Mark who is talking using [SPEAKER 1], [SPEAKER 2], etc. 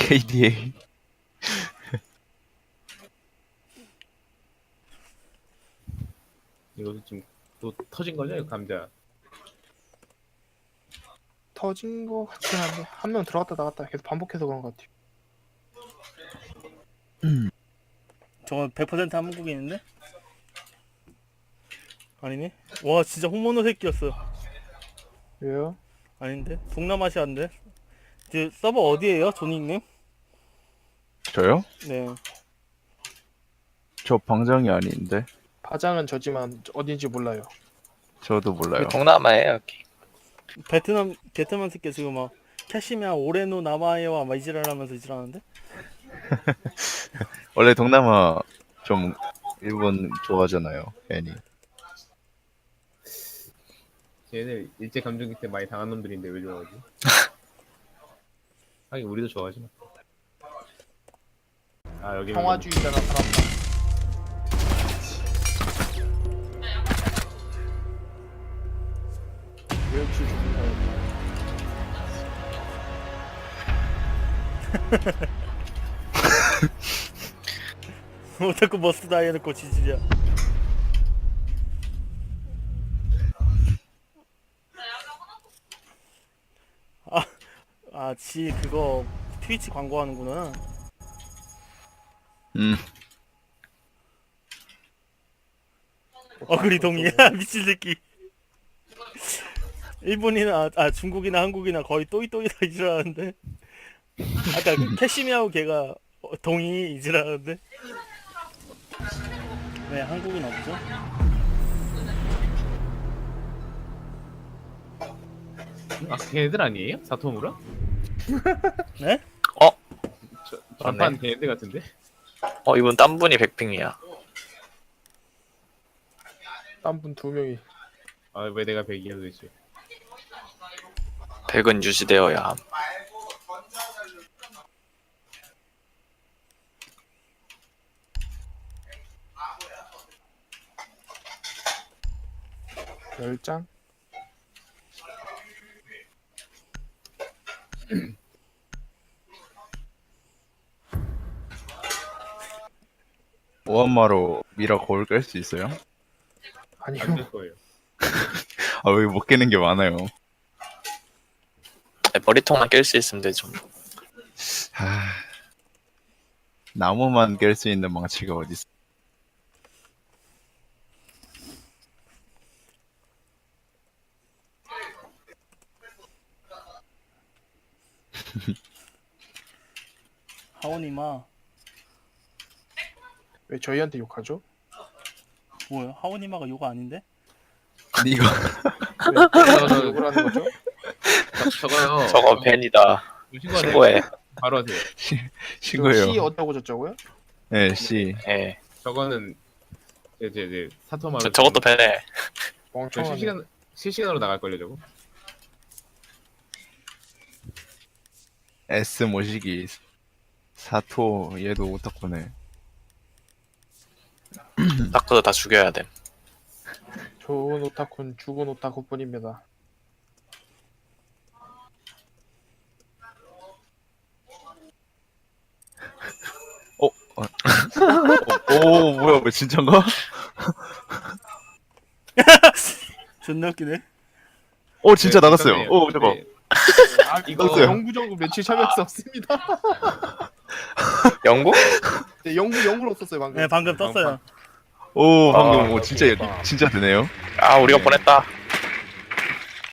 [SPEAKER 1] KDA.
[SPEAKER 2] 이것도 지금 또 터진 거냐 이거 감자.
[SPEAKER 3] 터진 거 같긴 한데 한 명 들어갔다 나갔다 계속 반복해서 그런 것 같아요.
[SPEAKER 4] 저건 100% 한국인인데? 아니네? 와 진짜 홍모노 새끼였어.
[SPEAKER 3] 왜요?
[SPEAKER 4] 아닌데? 동남아시아인데? 그 서버 어디에요? 조닉님?
[SPEAKER 1] 저요?
[SPEAKER 4] 네.
[SPEAKER 1] 저 방장이 아닌데.
[SPEAKER 3] 바장은 저지만 어딘지 몰라요.
[SPEAKER 1] 저도 몰라요.
[SPEAKER 5] 동남아에 여기.
[SPEAKER 4] 베트남 새끼 지금 막 캐시미야 오레노 나마에와 막 이지랄하면서 이지랄하는데?
[SPEAKER 1] 원래 동남아 좀 일본 좋아하잖아요. 괜히.
[SPEAKER 2] 쟤네 일제 감정기 때 많이 당한 놈들인데 왜 좋아하지? 하긴 우리도 좋아하지 뭐. 아 여기
[SPEAKER 3] 평화주의자 나타났다. 멸치 죽인다.
[SPEAKER 4] 오타쿠 머스트 다이 해놓고 지지야. 지 그거 트위치 광고하는구나. 어그리 동의야 미친 새끼. 일본이나 중국이나 한국이나 거의 또이또이다 이지라는데. 아까 그 캐시미하고 걔가 동의 이지라는데. 왜 한국인 없죠?
[SPEAKER 2] 아 걔네들 아니에요? 사토무라?
[SPEAKER 4] 네?
[SPEAKER 2] 전판 걔네들 같은데?
[SPEAKER 5] 이분 딴 분이 백핑이야.
[SPEAKER 3] 딴 분 두 명이
[SPEAKER 2] 아 왜 내가 100이야 도대체?
[SPEAKER 5] 백은 유지되어야 함.
[SPEAKER 3] 열장.
[SPEAKER 1] 오한마로 미라 거울 깰 수 있어요?
[SPEAKER 3] 아니요.
[SPEAKER 2] 안 될 거예요.
[SPEAKER 1] 아, 왜 못 깨는 게 많아요.
[SPEAKER 5] 머리통만 깰 수 있으면 되죠.
[SPEAKER 1] 하... 나무만 깰 수 있는 망치가 어디 있어?
[SPEAKER 4] 하오니마
[SPEAKER 3] 왜 저희한테 욕하죠?
[SPEAKER 4] 뭐야? 하오니마가 요가 아닌데?
[SPEAKER 1] 이거
[SPEAKER 3] 왜 욕을 하는 거죠?
[SPEAKER 2] 저거요.
[SPEAKER 5] 저거 벤이다. 신고해.
[SPEAKER 2] 바로 하세요.
[SPEAKER 1] 신고해요.
[SPEAKER 3] C 어쩌고 저쩌고요?
[SPEAKER 1] 네, C.
[SPEAKER 5] 예.
[SPEAKER 2] 저거는 이제 사토마루.
[SPEAKER 5] 저것도 벤해.
[SPEAKER 3] 멍청하네.
[SPEAKER 2] 실시간으로 나갈 걸요 저거.
[SPEAKER 1] S 모시기. 사토 얘도 오타쿠네.
[SPEAKER 5] 다크도 다 죽여야 돼.
[SPEAKER 3] 좋은 오타쿠는 죽은 오타쿠뿐입니다.
[SPEAKER 1] 오, 뭐야, 왜 진짠가?
[SPEAKER 4] 존나 웃기네.
[SPEAKER 1] 오, 진짜
[SPEAKER 2] 네,
[SPEAKER 1] 나갔어요.
[SPEAKER 2] 그러네요.
[SPEAKER 1] 오, 잠깐.
[SPEAKER 2] 네.
[SPEAKER 3] 이거
[SPEAKER 1] 나갔어요.
[SPEAKER 3] 영구정구 며칠 참여할 수 없습니다.
[SPEAKER 5] 영국?
[SPEAKER 3] 네, 영구로 썼어요 방금.
[SPEAKER 4] 네 방금 떴어요.
[SPEAKER 1] 오, 방금
[SPEAKER 5] 아,
[SPEAKER 1] 진짜 되네요.
[SPEAKER 5] 우리가
[SPEAKER 1] 네.
[SPEAKER 5] 보냈다.